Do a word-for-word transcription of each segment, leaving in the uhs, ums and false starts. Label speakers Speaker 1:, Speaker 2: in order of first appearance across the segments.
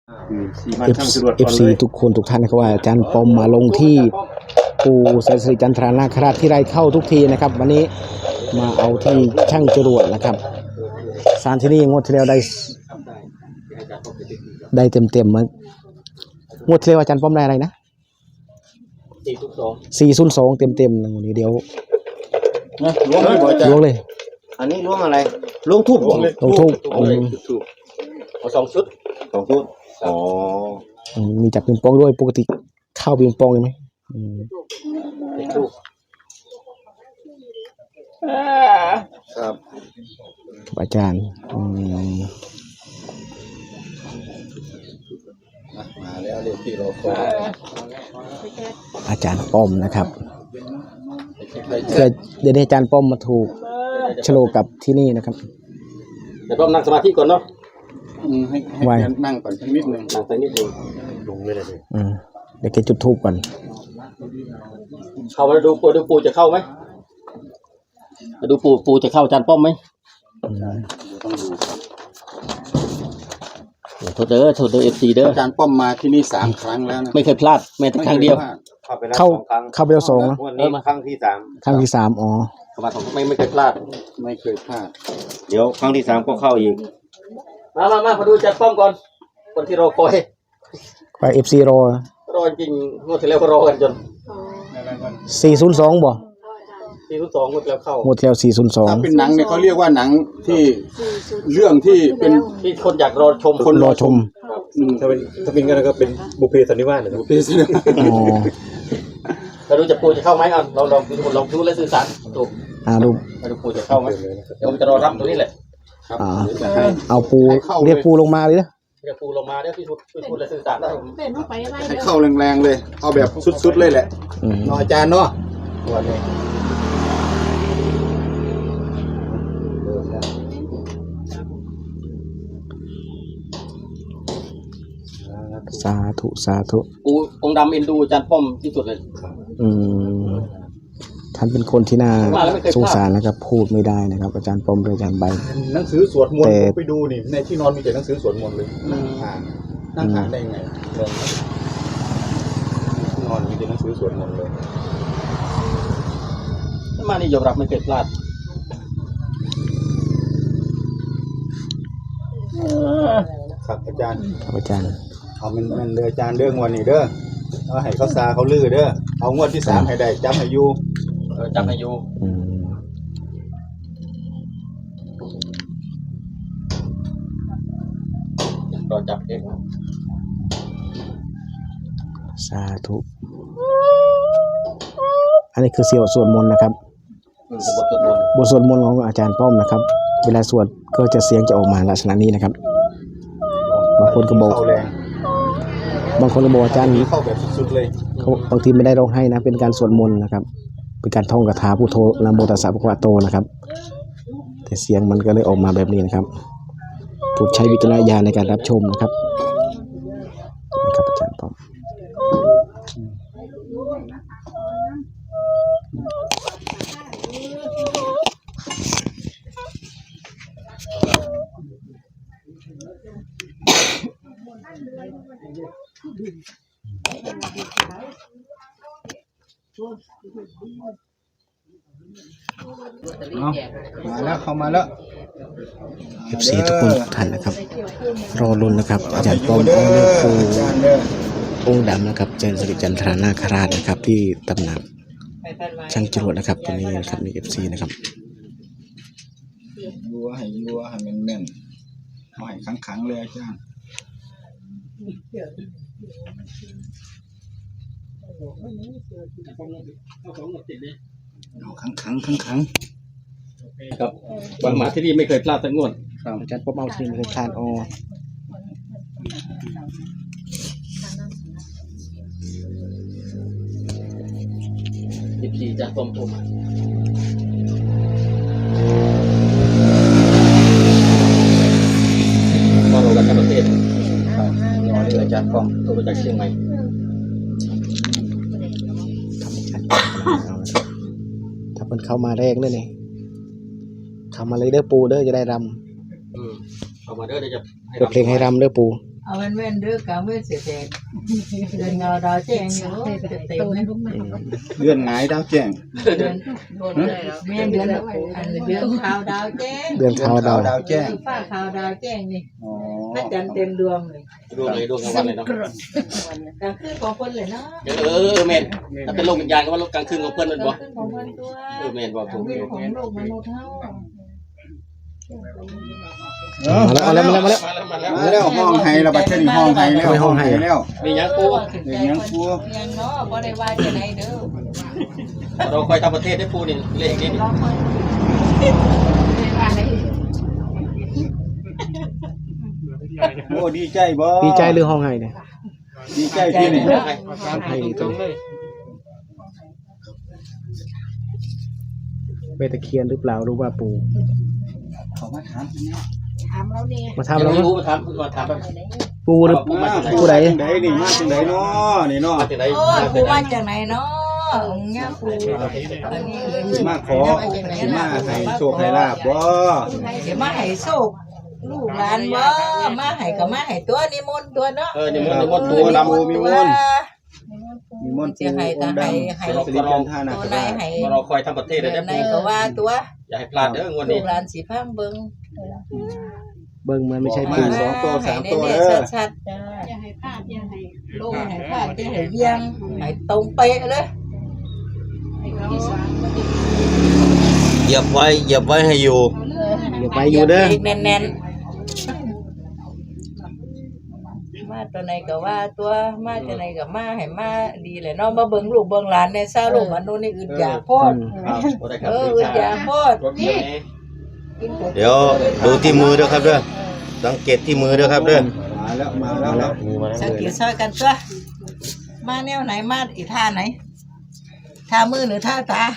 Speaker 1: เอฟซีทุกคนทุกท่านนะครับว่าอาจารย์ปอมมาลงที่ปูแสนสิริจันทรานาคราชที่ไรเข้าทุกทีนะครับวันนี้มาเอาที่ช่างจรวดนะครับสารที่นี่งวดที่แล้วได้ได้เต็มเต็มมั้งงวดที่แล้วอาจารย์ปอมได้อะไรนะสี่ศูนย์สองเต็มเต็มนะวันนี้เดี๋ยว
Speaker 2: ล้วงเลย
Speaker 1: ล้วงเลย
Speaker 2: อันนี้ล้วงอะไรล้วงทูบล้วง
Speaker 1: ทูบ
Speaker 2: เอาสองชุดสองชุดอ๋อ
Speaker 1: มีจับปิงปองด้วยปกติเข้าปิงปองไหม
Speaker 2: ครับ
Speaker 1: อาจารย์
Speaker 2: มาแล้วเรียกที่เราคอย
Speaker 1: อาจารย์ป้อมนะครับเคยเดี๋ยวนี้อาจารย์ป้อมมาถูกโฉลกับที่นี่นะครับ
Speaker 2: เดี๋ยวป้อมนั่งสมาธิก่อนเนาะให้
Speaker 1: ให้
Speaker 2: นั่งก่อนสักนิดหนึ่งนั่งสักนิดหนึ่งลงไม่ได้เลย
Speaker 1: เดี๋ยวแกจุดทูบก่อน
Speaker 2: เข้ามาดูปูดูปูจะเข้าไหมมาดูปูปูจะเข้าอาจารย์ป้อมไหมต้องดูโทษเด้อโทษเด้อเอฟซีเด้ออาจารย์ป้อมมาที่นี่สามครั้งแล้วนะไม่เคยพลาดแม้แต่ครั้งเดียว
Speaker 1: เข้าเข้าไปแล้วสองนะ
Speaker 2: วันนี้มาครั้งที่สาม
Speaker 1: ครั้งที่สามอ๋อ
Speaker 2: เข้ามาสองไม่ไม่เคยพลาดไม่เคยพลาดเดี๋ยวครั้งที่สามก็เข้าอีกมามามามาดูอาจารย์ป้อมก่อนคนที่รอคอย
Speaker 1: ไปเอฟซีรอ
Speaker 2: รอจริงงวดที่แล้วก็รอกันจน
Speaker 1: สี่ศูนย์สองบ่
Speaker 2: สี่ศูนย์สองงวดแล้วเข้า
Speaker 1: งวดแล้วสี่ศูนย์สอง
Speaker 2: ถ้าเป็นหนังเนี่ยเขาเรียกว่าหนังที่เรื่องที่เป็นที่คนอยากรอชม
Speaker 1: คนรอชม
Speaker 2: ถ้าเป็นถ้าเป็นกันก็เป็นบุพเพสันนิวาสนะบุพเพสันนิวาสเราดูจะปูจะเข้าไหมอ่ะเราลองดูลองดูและสื่อสารถูก
Speaker 1: อ่าดู
Speaker 2: มาดูปูจะเข้าไหมเดี๋ยวผมจะรอรับตรงนี้แหละ
Speaker 1: อ่าเอาปูเรียกปูลงมาเลยนะ
Speaker 2: เรียกปูลงมาเนี่ยพี่พูดพี่พูดและสื่อสารได้ให้เข้าแรงๆเลยเอาแบบสุดๆเลยแหละเนาะอาจารย์เนาะวันนี้
Speaker 1: สาธุสาธุ
Speaker 2: ปูองค์ดำเอ็นดูอาจารย์ป้อมที่สุดเลย
Speaker 1: อืมท่านเป็นคนที่น่าสงสารนะครับพูดไม่ได้นะครับอาจารย์ป้อมหรืออาจารย์ใบ
Speaker 2: หนังสือสวดมนต์ผมไปดูนี่ในที่นอนมีแต่หนังสือสวดมนต์เลยนั่งอ่านนั่งอ่านได้ไงที่นอนมีแต่หนังสือสวดมนต์เลยมานี่ยอมรับไม่เคยพลาดครับอาจารย์
Speaker 1: ครับอาจารย์
Speaker 2: เอามันมันเลยอาจารย์เรื่องวันนี้เด้อเอาให้เขาซาเขาลื้อเด้อเอางวดที่สามให้ได้จำให้อยู่เออจำให้อยู่รอจับเอง
Speaker 1: สาธุอันนี้คือเสียวสวดมนต์นะครับบทสวดมนต์ของอาจารย์ป้อมนะครับเวลาสวดก็จะเสียงจะออกมาลักษณะนี้นะครับบางคนก็บอกบางคนก็บอกอาจารย์
Speaker 2: เข้าแบบสุดๆเลย
Speaker 1: เขาบางทีไม่ได้ร้องให้นะเป็นการสวดมนต์นะครับเป็นการท่องคาถาพุทโธนะโมตัสสะภะคะวะโตนะครับแต่เสียงมันก็เลยออกมาแบบนี้นะครับโปรดใช้วิจารณญาณในการรับชมนะครับนะครับอาจารย์ป้อม
Speaker 2: มาแล้วเข้ามาแล้ว
Speaker 1: เอฟ ซี ทุกคนทุกท่านนะครับรอลุ้นนะครับอาจารย์ป้อมองค์เลือกปูองค์ดำนะครับเจนสิริจันทรานาคราชนะครับที่ตำหนักช่างจรวดนะครับตรงนี้นะครับมี เอฟ ซี นะครับ
Speaker 2: รัวให้รัวให้แม่นๆเอาให้ขังๆเลยอาจารย์เอาขังขังขังขังครับบางหมาที่นี่ไม่เคยพลาดสักงวด
Speaker 1: อาจารย์ป้อมเอาทีมเคยพลาดอ๋อ
Speaker 2: ทีพีจะต้มต้มก็เรากันทั้งประเทศรอเลยอาจารย์ป้อมตัวมาจากเชียงใหม่
Speaker 1: ถ้าเป็นเข้ามาแรกเลยนี่เข้ามาเลยเด้อปูเด้อจะได้รำ
Speaker 2: เข้ามาเด้อเดี๋ยวจะ
Speaker 1: เปิดเพลงให้รำเด้อปู
Speaker 2: อ
Speaker 3: เอาเว้นเว้นเด้อกาเว้นเสียแดงเดินเงาดาวแจ้งอยู่จะเต็มเลย
Speaker 4: เดือนหงายดาวแจ้ง
Speaker 3: เดือนแม่เดือนอันเดือนขาวดาวแจ้ง
Speaker 1: เดือนขาวดาว
Speaker 4: ดาวแจ้ง
Speaker 3: ฟ้าขาวดาวแจ้งนี่
Speaker 4: อ๋อ
Speaker 3: พระจันทร์เต็มดวงเลย
Speaker 2: ดวงเลยดวงกลางวันเลยเนาะ
Speaker 3: กลางคืนของคนเลยเนาะ
Speaker 2: เออเมนถ้าเป็นโลกวิญญาณก็ว่าโลกกลางคืนของเพื่อนมัน
Speaker 3: ก
Speaker 2: บ่
Speaker 3: ลางคืนของคนตัว
Speaker 2: เออเมนบอกถูก
Speaker 3: คืนของโลกมนุษย์เท่า
Speaker 1: มาแล้วมาแล้วมาแล้ว
Speaker 2: มาแล้วมาแล้ว
Speaker 4: มาแล้วห้องไห้ระบาดเช่นห้องไห้แล้วห้องไห้แล้ว
Speaker 2: มียังปู
Speaker 3: ยังเนาะบ่ได้ว่าจะไหนเด้อ
Speaker 2: เราคอยทำประเทศได้ปูนี่เลขนี้
Speaker 3: รอคอย
Speaker 4: โอ้ดีใจบ่
Speaker 1: ดีใจหรือห้องไห้เนี่ย
Speaker 4: ดีใจพี่นี่
Speaker 1: ห้องไห้ตรงไปตะเคียนหรือเปล่ารู้ว่าปู่
Speaker 4: เขามาถาม
Speaker 3: ถามเราเนี่ย
Speaker 1: มาถาม
Speaker 2: เรา
Speaker 1: เรา
Speaker 2: ไม่
Speaker 1: เนาะ
Speaker 2: รู้มาถามมาถามแบบ
Speaker 1: ปู่หรือ
Speaker 4: มา
Speaker 1: ปู่ไหน
Speaker 4: จังไดนี่มาจังไดเนาะนี่เนาะ
Speaker 2: มาจากไหน
Speaker 3: โอ้
Speaker 2: มา
Speaker 3: ปู
Speaker 2: จากไหน
Speaker 3: มาจากไหนเนาะเนี่ยปูอันนี้
Speaker 4: มาขอสิมาให้โชคให้ลาบบ่
Speaker 3: เดี๋ยวมาให้โชคลูกหลานบ่มาให้ก็มาให้ตัวนิมนต์ตัวเนาะ
Speaker 2: เออนี่มันมัน
Speaker 4: ปู
Speaker 2: ปู
Speaker 4: นำ
Speaker 2: นำ
Speaker 4: มีมนต์มีมนต์ปูองค์ดำสิริจันทานา
Speaker 3: ตัว
Speaker 4: ค
Speaker 3: ไหน
Speaker 4: ราช
Speaker 3: ให้
Speaker 2: เราคอยทำประเทศ
Speaker 3: แบ
Speaker 2: ได้
Speaker 3: บไหน
Speaker 2: ปู
Speaker 3: ก็ว่าตัว
Speaker 2: อย่าให้พลาดเด้องวด
Speaker 3: ลู
Speaker 2: นี้
Speaker 3: กหลานสิพังเบิ่ง
Speaker 1: เบิ่งมันไม่ใช่
Speaker 4: มา
Speaker 1: ปู่
Speaker 4: สองตัวสามตัว
Speaker 3: ให้
Speaker 4: เด้อ
Speaker 3: แน่ๆชัดๆจ้าอย่าให้พลาดอย่าให้ลงให้พลาดอย่าให้เวียงให้ตรงเป๊ะเลย
Speaker 5: เหยียบไว้เหยียบไว้ให้อยู่
Speaker 1: อย่าไปอยู่เด้อ
Speaker 3: แน่นๆมาตัวไหนก็ว่าตัวมาตัวไหนก็มาให้มาดีเลยเนาะมาเบิ่งลูกเบิ่งหลานในซาลูกมันโน่นนี่อึดอยากโพด
Speaker 2: ครับ
Speaker 3: เอออึดอยากโพด
Speaker 5: เดี๋ยวดูที่มือด้วยครับเด้อสังเกตที่มือด้วยครับเด้อ
Speaker 4: มาแล้วมาแล้วครับ
Speaker 3: สังเกตซอยกันตัวมาแนวไหนมาอีท่าไหนท่ามือหรือท่าตา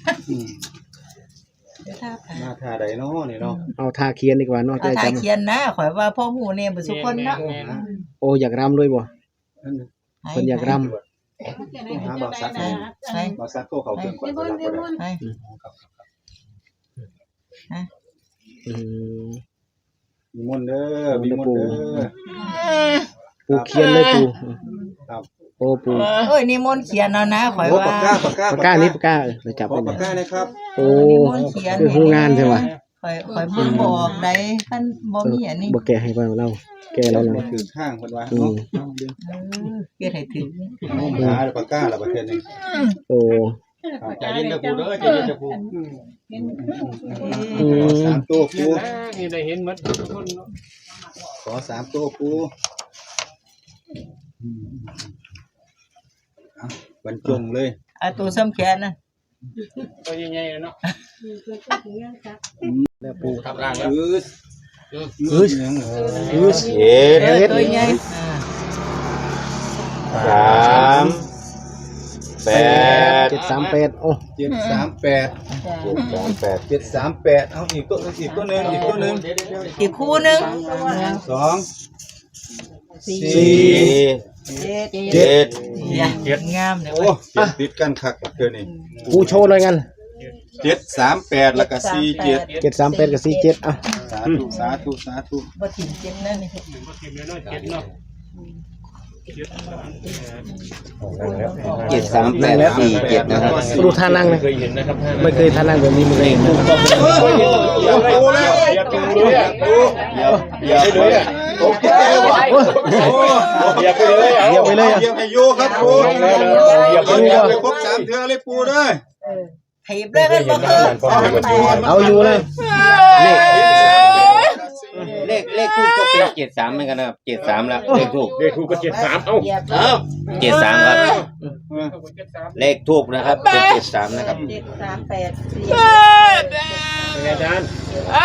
Speaker 3: หรือท่าตา
Speaker 4: มาท่าใดเนาะนี่เนาะ
Speaker 1: เอาทาเคียนดีกว่าเนอก
Speaker 3: เอา
Speaker 1: ใจ
Speaker 3: ท่า
Speaker 1: จ
Speaker 3: เขียนนะข่อยว่าพ่อหูเนี่ยบ่สุคนเนาะ
Speaker 1: ำโอ้อยากรำด้วยบ่เพิ่นอยากร
Speaker 4: หาบ่าวซัก
Speaker 3: ใช่ใช่
Speaker 4: บ่าวซักโตเขาเพิ่นก่อนบ่ได้
Speaker 3: ใช่
Speaker 1: ำอืม
Speaker 4: มีมนต์เด้อมีมนต์เด้อ
Speaker 1: ปู่เคียนเลยปู่
Speaker 4: ครับ
Speaker 1: โอ้ปู่
Speaker 3: เอ้ยนี่มนต์เขียนเอานะข่อย
Speaker 4: โอ้
Speaker 3: ว่า
Speaker 4: ปากกาปากกา
Speaker 1: ปากกานี่ปากกาเออเราจับ
Speaker 4: ข
Speaker 1: ไป
Speaker 4: อ
Speaker 1: ไหน
Speaker 4: ปากกานะครับ
Speaker 1: โอ้คือหูงานใช่ปะ
Speaker 3: ข่อยข่อยเบิ่งบ่ออกได้คันบ่มีอันนี้
Speaker 1: บ่แกะให้เพิ่นเราแกะแล้วนะ
Speaker 4: ถือข้างเพิ่นว่า
Speaker 1: อืม
Speaker 4: เนาะ
Speaker 3: เออเฮ็ดให้ถึง
Speaker 4: เอาหาปากกาละประเทศนี้
Speaker 1: โอ้
Speaker 2: ใจเย็นจะปูเด้อใจเย็นจะปู
Speaker 1: อื
Speaker 4: ขอ
Speaker 1: ม
Speaker 4: สามตัวปู
Speaker 6: นี่ได้เห็นหมดทุกคน
Speaker 4: ขอสามตัวปูเอาบรรจงเลย
Speaker 3: เอาตัวซ้ำแขนน่ะ
Speaker 6: ตัวใหญ่ๆเนาะ
Speaker 1: แล้วปู่
Speaker 2: ทำร่างแล้ว
Speaker 4: อือ
Speaker 1: อือ
Speaker 4: ยัง
Speaker 1: อือ
Speaker 5: เจ็ด
Speaker 3: เออตัวใหญ่อ่า
Speaker 5: สามแปด
Speaker 1: เจ็ดสามแปดโอ้
Speaker 4: เจ็ดสามแปด
Speaker 5: เจ็ดสามแปด
Speaker 4: เจ็ดสามแปดเอาอีกตัวอีกตัวหนึงอีกตัวหนึง
Speaker 3: อีกคู่หนึง
Speaker 4: สองสี่
Speaker 5: สี่
Speaker 3: เจ็ด
Speaker 5: เจ็ด
Speaker 3: เนี่ยงามเนี่ย
Speaker 4: โอ้เขียนติดกันคักเกินนี่
Speaker 1: ปู่โชว์เลยกัน
Speaker 4: เจ็ดสามแปดแล้วก็สี่เจ็ด
Speaker 1: เจ็ดสามแปดกับสี่เจ็ดอ่ะ
Speaker 4: สาธุสาธุสาธุ
Speaker 3: บ่ถิ่มเจ็ดนั่นนี่
Speaker 5: เจ็ดสามแปดสี่เจ็ดนะครับ
Speaker 1: ดูท่านั่งนะ
Speaker 6: เคยเห็นนะครับท่าน
Speaker 1: ไม่เคยท่านั่งแบบนี้ไม่เคยเห็นนะ
Speaker 4: อย่าปูแล้ว
Speaker 6: อยากดูเลยอ่ะ
Speaker 4: อย่าอย่าไปเลยอ่ะโอเคว่ะโอ้
Speaker 6: อยากไปเลยอ่ะ
Speaker 1: เหยียบไปเลยอ่ะ
Speaker 4: เหยียบให้โยครับปู
Speaker 6: เหยียบ
Speaker 4: เหยียบไปครบสามเทือเลยปูเด้อ
Speaker 3: ถีบเลยกันบ่คือ
Speaker 4: เอาให้มันปู
Speaker 1: เอาอยู่เลย
Speaker 5: เลขเลขทูบก็เป็นเจ็ดสามเหมือนกันนะครับเจ็ดสามแล้วเลขทูบ
Speaker 6: เด็กถูกก็เจ็ดสามเอ้า
Speaker 3: เหยียบ
Speaker 5: เอ้าเจ็ดสามครับ เลขทูบนะครับเป็นเจ็ดสามนะครับ
Speaker 3: เจ็ดสามแปดสี่
Speaker 6: เป็นไงอาจารย์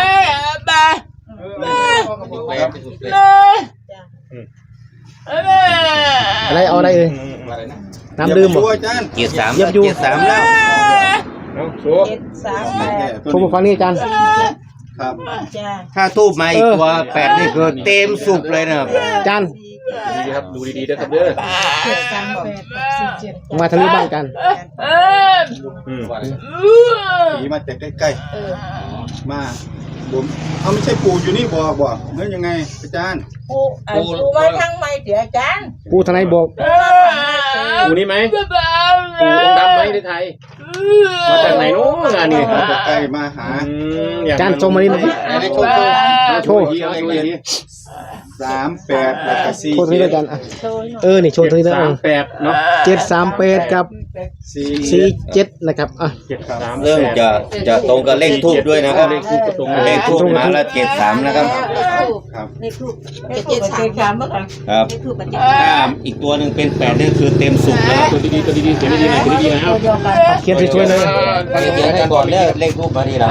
Speaker 1: อะไรเอาอะไรเลยน้ำดื่ม
Speaker 4: บ่
Speaker 1: บ่
Speaker 4: อาจารย์
Speaker 5: เจ็ดสาม
Speaker 1: เหยี
Speaker 5: แล้
Speaker 1: ยว บอยู่
Speaker 5: เจ็ดสามแล้ว
Speaker 6: เอาโช
Speaker 3: เจ็ดสามแปด
Speaker 1: ผมมาฟังนี่อาจารย์
Speaker 4: ครับ
Speaker 3: จ้า
Speaker 5: ถ้าทูบมาอีกตัวแปดนี่คือเต็มสุกเลยนะครับ
Speaker 1: อาจารย์
Speaker 6: ดีครับดูดีๆนะครับเด้อ
Speaker 3: เจ็ดสามแปดสี่เจ็ด
Speaker 1: มาทางนี้บ้างอาจารย์
Speaker 6: อืม
Speaker 4: ผีมาแต่ใกล้
Speaker 3: เออ
Speaker 4: ๆมาผมเอาไม่ใช่ปู่อยู่นี่บอกบอกเฮ้ยยังไงอาจารย์
Speaker 3: ปูอ่ะปูมาทางไม่เดี๋ยวอาจารย์
Speaker 1: ผู้ทนายบอก
Speaker 6: ปูนี่ไหมปูองค์ดำไหมในไทยมาจากไหนนู้นงานนี่
Speaker 4: มาใกล้มาหา
Speaker 1: จานโชว์มานี่หน่อย
Speaker 5: ไหนโชว์โชว์
Speaker 1: โชว์
Speaker 6: เอาอีกที
Speaker 4: สามแปดแล้วก็สี่
Speaker 1: โชว์ตรงนี้ด้วยกันอ่ะเออนี่โชว์ตรงนี้ด้วย
Speaker 6: สามแปดเนาะ
Speaker 1: เจ็ดสามแปดกับ
Speaker 4: สี่
Speaker 1: สี่เจ็ดนะครับอ่ะ
Speaker 6: เจ็ดสาม
Speaker 5: เริ่มจะจะตรงกับเลขทูบด้วยนะครับ
Speaker 6: เลขทูบก็ตรง
Speaker 5: เลขทูบมาแล้วเจ็ดสามนะครับ
Speaker 4: ครับ
Speaker 3: เลขทูบเจ็ดสามสามเมื่อก่อน
Speaker 5: ครับ
Speaker 3: เลขทูบมันเจ็ด
Speaker 5: ถ้าอีกตัวหนึ่งเป็นแปดนี่คือเต็มสุกแล้ว
Speaker 6: ตัวดีๆตัวดีๆเขียนดีๆหน่อยเขียนดีๆหน่อยเอา
Speaker 3: เดียวกัน
Speaker 1: เขียนสวยๆเลย
Speaker 5: เขียนให้ก่อนเนี่ยเลขทูบมาดีแล้ว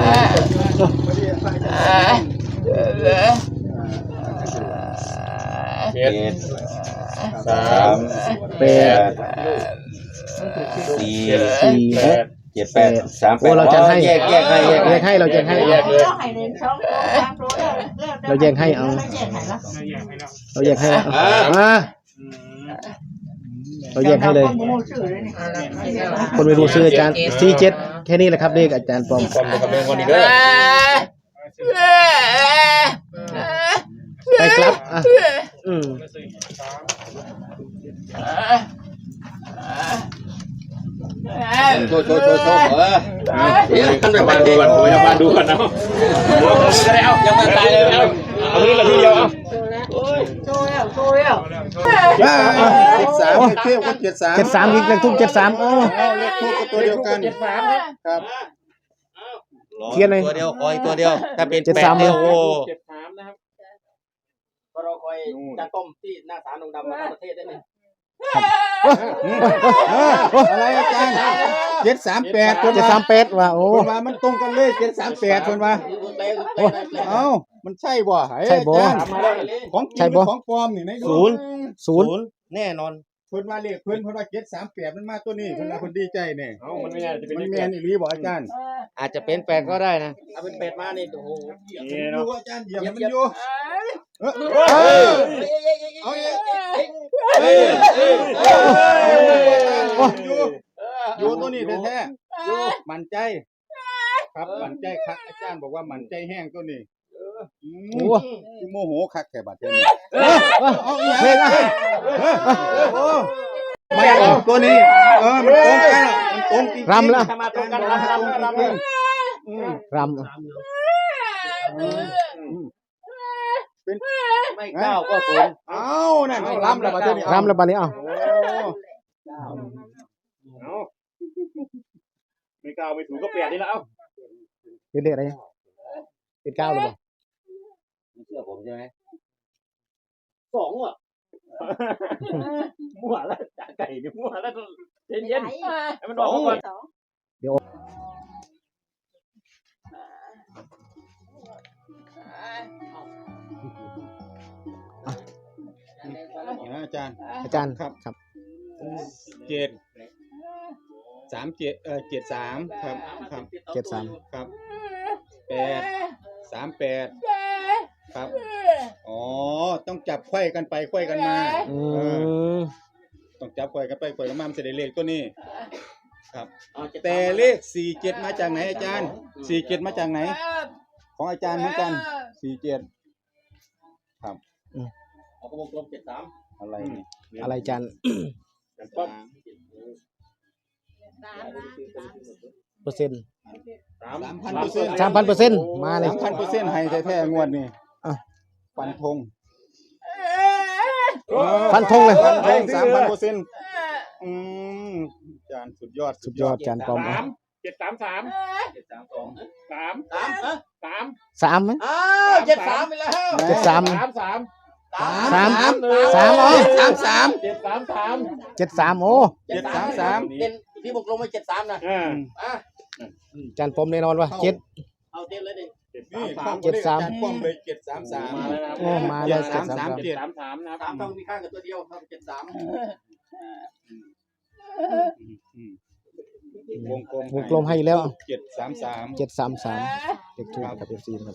Speaker 6: เจ็ด
Speaker 5: เจ็ด
Speaker 6: สา
Speaker 5: สาม ม
Speaker 1: แป
Speaker 5: แป
Speaker 1: ด
Speaker 5: ดสี่
Speaker 1: สี่
Speaker 6: แปด
Speaker 5: เจ็ดแปดสามแป
Speaker 1: โอ้
Speaker 5: ด
Speaker 1: เราจะให้
Speaker 5: แยกแยกให้แยก
Speaker 1: แยกให้เราแยกให้
Speaker 6: แยกเลย
Speaker 3: เราให้เรียนสองตัวสามตัวแล้วแล้ว
Speaker 1: เราแยกให้เอา
Speaker 3: เราแยกให้ละ
Speaker 1: เราแยกให้แล้วอ่ะเราแยกให้เลย คนไม่รู้ชื่ออาจารย์สี่เจ็ดแค่นี้แหละครับเลขอาจารย์ปอม
Speaker 6: ความเลยครับเรื่องวันนี้เด้อ
Speaker 1: ไปครับอ่ะอืม
Speaker 5: โชว์โชว์โชว์โชว์เออ
Speaker 6: เดี๋ยวท่านไปบ้านดูก่อนไปบ้านดูก่อนนะก็ได้เอายังไม่ตายเลยเอาเอาทีละทีเดียวเอา
Speaker 3: โชว์แล้วโชว์แล้ว
Speaker 4: เจ็ดสามเทียบก็เจ็ดสาม
Speaker 1: เจ็ดสามอีกเลขทุกเจ็ดสามอ๋อ
Speaker 4: เอาเลขทูบก็ตัวเดียวกัน
Speaker 6: เจ็ดสามครับ
Speaker 4: ครับ
Speaker 1: เขียนเลย
Speaker 5: ตัวเดียวขออีกตัวเดียวถ้าเป็น
Speaker 1: เจ็ด
Speaker 5: แป
Speaker 1: สา
Speaker 5: ด
Speaker 1: ม
Speaker 5: เดียวโอ้
Speaker 6: เจ็ดสามนะครับ
Speaker 2: ก็รอคอยจานต้มที่หน้าศาลองค์ดำมาทั้งประเทศได้ไหม
Speaker 4: อะไรอาจารย์เจ็ดสามแปดคน
Speaker 1: เจ็ด
Speaker 4: ว่า
Speaker 1: สามแปดว่ะโอ้
Speaker 4: คนว่ามันตรงกันเลยเจ็ดสามแปดคนว่าเอ้ามันใช่บ่เฮ้ย
Speaker 1: ใช่บ่
Speaker 4: อาจารย์ของจริง
Speaker 1: ใช่บ่
Speaker 4: ของปลอมนี่นะ
Speaker 5: ศูนย์
Speaker 1: ศูนย์
Speaker 5: แน่นอน
Speaker 4: เพิ่นว่าเลขเพิ่นเพิ่นว่าเจ็ดสามแปดมันมาตัวนี้เพิ่นว่าคนดีใจเนี่ย
Speaker 6: เอามันไม่น่าจะเป็น
Speaker 4: มัน
Speaker 6: เลข
Speaker 4: แม
Speaker 6: แป
Speaker 4: น
Speaker 6: ด
Speaker 4: อีหลีบ่อาจารย์
Speaker 5: อาจจะเป็นแปดก็ได้นะ
Speaker 2: เอาเป็นเป็ดมานี่โอ้โห
Speaker 6: นี่
Speaker 4: ดู
Speaker 6: เนาะ
Speaker 4: อาจารย์เหยียบมันอยู่เออ
Speaker 1: เออ
Speaker 4: เอาอีก
Speaker 2: เฮ้ย
Speaker 4: อยู่อยู่ตัวนี้แท้ๆอยู่มั่นใจ ครับมั่นใจครับอาจารย์บอกว่ามั่นใจแห้งตัวนี้อืม
Speaker 1: โอ้
Speaker 4: คือโมโหคักแค่บัดเดี๋ยวนี้
Speaker 1: เออเออ
Speaker 4: เอาอีก
Speaker 1: เพลงอ่ะ
Speaker 4: โอ้ไม่ออกตัวนี้ เออ มันตรงกันอะมันตรงจริงๆ
Speaker 1: รำแล้ว
Speaker 2: ถ้ามาตรงกันรำรำรำรำ
Speaker 4: อืม
Speaker 1: รำอ่ะ
Speaker 5: ไม่เก้าก็ศูนย์
Speaker 4: เอ้านั่นรำแล้วบัดเดี๋ยวนี้
Speaker 1: รำแล้วบัดนี้เอ้า
Speaker 4: โอ้
Speaker 6: เอาไม่กล้าไม่ถูกก็แปดนี่แล้วเอา
Speaker 1: เป็นเลขอะไรเป็นเก้าหรือเปล่า
Speaker 5: เชื่อผมใช่ไหม
Speaker 6: สองอ่ะมั่วแล้วจ่าไก่นี่มั่วแล้วเย็นเย็นให้มันออกก่อน
Speaker 4: นี่นะอาจารย์
Speaker 1: อาจารย์
Speaker 4: ครับ
Speaker 1: ครับ
Speaker 4: เจ็ดสามเจ็ดเออเจ็ดสามครับ ครับ
Speaker 1: เจ็ดสาม
Speaker 4: ครับแปดสามแปดครับ อ๋อ ต้องจับไขว้กันไปไขว้กันมา
Speaker 1: อื
Speaker 4: เออ
Speaker 1: ม
Speaker 4: ต้องจับไขว้กันไปไขว้กันมามันจะได้เลขตัวนี้ ครับ แต่เลขสี่เจ็ดมาจากไหนอาจารย์สี่เจ็ดมาจากไหน ของอาจารย์เหมือนกันสี่เจ็ดครับ
Speaker 2: เอาวงกลมเจ็ดสาม
Speaker 4: อะไรนี่
Speaker 1: อะไรอาจารย์
Speaker 6: ป๊อป
Speaker 1: เปอร์เซ็นต์
Speaker 6: สาม
Speaker 4: สามพันเปอร์เซ็นต์
Speaker 1: สามพันเปอร์เซ็นต์มาเลย
Speaker 4: สามพันเปอร์เซ็นต์ให้แท้ๆงวดนี้
Speaker 1: อ่ะ
Speaker 4: ฟันธง
Speaker 1: ฟันธงเลย
Speaker 4: ฟันธงสามพันเปอร์เซ็นต์อืมอาจารย์สุดยอด
Speaker 1: สุดยอดอาจารย์ปอม
Speaker 6: สามเจ็ดสามสาม
Speaker 2: เจ็ดสามสอง
Speaker 6: สาม
Speaker 2: สามฮะ
Speaker 6: สาม
Speaker 1: สามไหม
Speaker 2: อ้าวเจ็ดสามไปแล้ว
Speaker 1: เจ็ดสาม
Speaker 6: สามสาม
Speaker 1: สามสามอ๋อ
Speaker 4: สามสาม
Speaker 6: เจ็ดสามสาม
Speaker 1: เจ็ดสามโอ้
Speaker 4: เจ็ดสามสาม
Speaker 2: เด่นที่วงกลมไปเจ็ดสามนะ
Speaker 6: อ่า
Speaker 2: อ่ะ
Speaker 1: อาจารย์ปอมแน่นอนว่าเจ็ด
Speaker 2: เอาเต็มเลยดิ
Speaker 6: เจ็ด
Speaker 4: นี่
Speaker 6: สาม
Speaker 4: ข้อ
Speaker 6: สาม
Speaker 4: มูลเลขอาจารย์ป้อมเลยเจ็ดสามสาม
Speaker 6: มาแล้วนะ
Speaker 1: โอ้มาเลยเจ็ดสามสาม
Speaker 6: เจ็ดสามสามนะค
Speaker 2: สา
Speaker 6: รับ
Speaker 2: มต้องมีข้างกับตัวเดียวครับเจ็ดสาม
Speaker 4: วงกลม
Speaker 1: วงกลมให้แล้ว
Speaker 4: เจ็ดสามสาม
Speaker 1: เจ็ดสามสามเลขทูบกับเอฟซีครับ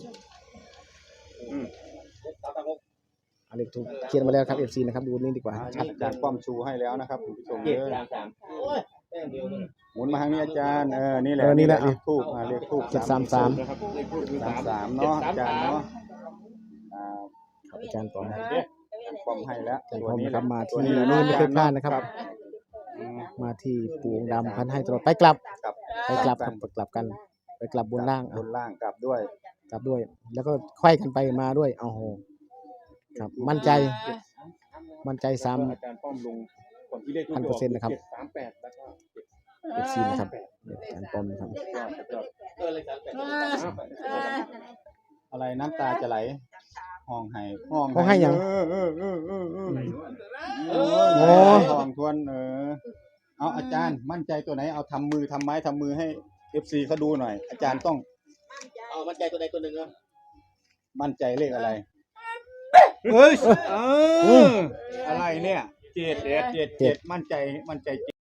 Speaker 2: สามสามหก
Speaker 1: เอาเลขทูบเขียนมาแล้วครับเอฟซีนะครับดูนี่ดีกว่าชัด
Speaker 4: อาจารย์ป้อมชูให้แล้วนะครับคุณผู้ชม
Speaker 2: เจ็ด
Speaker 4: เด้อ
Speaker 2: สามสามโอ้ยแต้มเดียวเลย
Speaker 4: หมุนมาทางนี้อาจารย์เออนี่แหละ
Speaker 1: เออนี่แหละ
Speaker 4: เลขทูบอ่าเลขทูบ
Speaker 1: เจ็ดสามสาม
Speaker 6: นะครับเลขทูปคือ
Speaker 4: สา
Speaker 6: สาม ม
Speaker 4: สามเนาะอาจารย์เนาะอ่า
Speaker 1: ครับอาจารย์ปอม
Speaker 4: ป้อมให้แล้ว
Speaker 1: อาจารย์
Speaker 4: ตั
Speaker 1: ป
Speaker 4: ว
Speaker 1: อม
Speaker 4: นี้
Speaker 1: นะครับมา
Speaker 4: ตัว
Speaker 1: ที่
Speaker 4: นี้
Speaker 1: นี่
Speaker 4: แหละ
Speaker 1: ไม่เคยพลาดนะครับ
Speaker 4: อืม
Speaker 1: มาที่ปูองค์ดำพันให้ตลอดไปกลับ
Speaker 4: กลับ
Speaker 1: ไปกลับครับไปกลับกัน ไปกลับบนล่าง
Speaker 4: บ
Speaker 1: เอา
Speaker 4: นล่างกลับด้วย
Speaker 1: กลับด้วย แล้วก็ไขว้กันไปมาด้วยเอาโหครับ มั่นใจ มั่นใจซ้
Speaker 6: อาจารย์ป้อมลงก่อนที่เลขทูป
Speaker 1: พันเปอร์เซ็นต์นะครับ
Speaker 6: เจ็ดสามแปดแล้วก็
Speaker 1: ำเอฟซีนะครับอาจารย์ปอมนะครับ
Speaker 2: เออเลยสามแปด
Speaker 4: อะไรน้ำตาจะไหลห้องให้ห้อง
Speaker 1: ห้องให้หยัง
Speaker 4: เออเออเออเออเออเอ
Speaker 1: โอ้
Speaker 4: อห้องทวนเออเอาอาจารย์มั่นใจตัวไหนเอาทำมือทำไม้ทำมือให้เอฟซีเขาดูหน่อย อาจารย์ต้อง
Speaker 2: เอามั่นใจตัวใดตัวหนึ่งอ่ะ
Speaker 4: มั่นใจเลขอะไรเฮ้ยเอออะไรเนี่ยเจ็ดเจ็ดเจ็ดเจ็ดมั่นใจมั่นใจ